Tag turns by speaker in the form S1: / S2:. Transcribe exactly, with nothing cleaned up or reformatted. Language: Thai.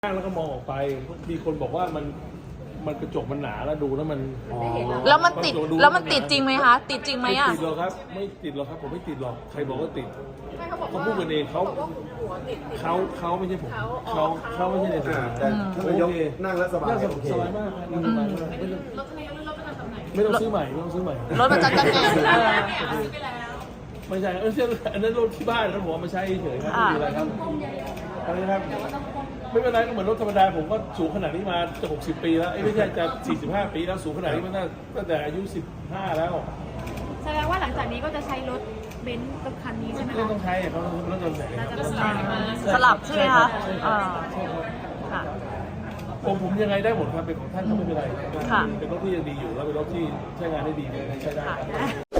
S1: นั่งแล้วก็มองออกไปมีคนบอกว่ามันมันกระจกมันหนาแล้วดูแล้วมัน
S2: แล้วมันติดแล้วมันติดจริงไหมคะติดจริงไหม
S1: ไม่
S2: อ่ะ
S1: ติดหรอกครับไม่ติดหรอกครับผมไม่ติดหรอกใครบอกว่าติด
S3: ไม่เขาบอก
S1: เขา
S3: ว่า
S1: พูดกันเองเขา
S3: บอกว่าหัวติดติด
S1: เขาเขาไม่ใช่ผม
S3: เขาอ๋
S1: เขา
S3: อ
S1: เขาไม่ใช่ในสนาม
S4: แต่ท่านนายกนั่งแล้วสบาย
S1: นั่งส
S4: โอเค
S1: บายมากนั่งสบายมากไม่ต้อง
S3: รถทะเลรถประจำตำแหน่ง
S1: ไม่ต้องซื้อใหม่ไม่ต้องซื้อใหม่
S2: รถประจำตำแหน่ง
S3: ซื้อ
S2: เอ
S3: ไป
S2: อ
S3: แล้วเนี่ยซื้อไปแล้ว
S1: ไม่ใช่เอออันนั้นรถที่บ้านครับผมเอามาใช้เฉยๆครับไม่มีอะไรครับอะไรนะครับไม่เป็นไรก็เหมือนรถธรรมดาผมก็สูงขนาดนี้มาจะหกสิบปีแล้วเอ้ยไม่ใช่จะสี่สิบห้าปีแล้วสูงขนาดนี้มาตั้งแต่อายุสิบห้าแล้ว
S5: แสดงว่าหลังจากนี้ก็จะใช้รถเบนซ์กับคันนี้ใช่ไหม
S1: ไม่
S5: คะ
S1: ต้องใช้เขาต้องรถยนต์ไหน
S5: น่าจะ
S1: ครับ
S5: สลับมา
S2: สลับใช่ไหมคะอ่า
S1: ใช่ครับ
S2: ค่ะ
S1: ผมผมยังไงได้หมดครับเป็นของท่านก็ไม่เป็นไร
S2: ค่ะ
S1: เป็นรถที่ยังดีอยู่แล้วเป็นรถที่ใช้งานได้ดีใช้ได้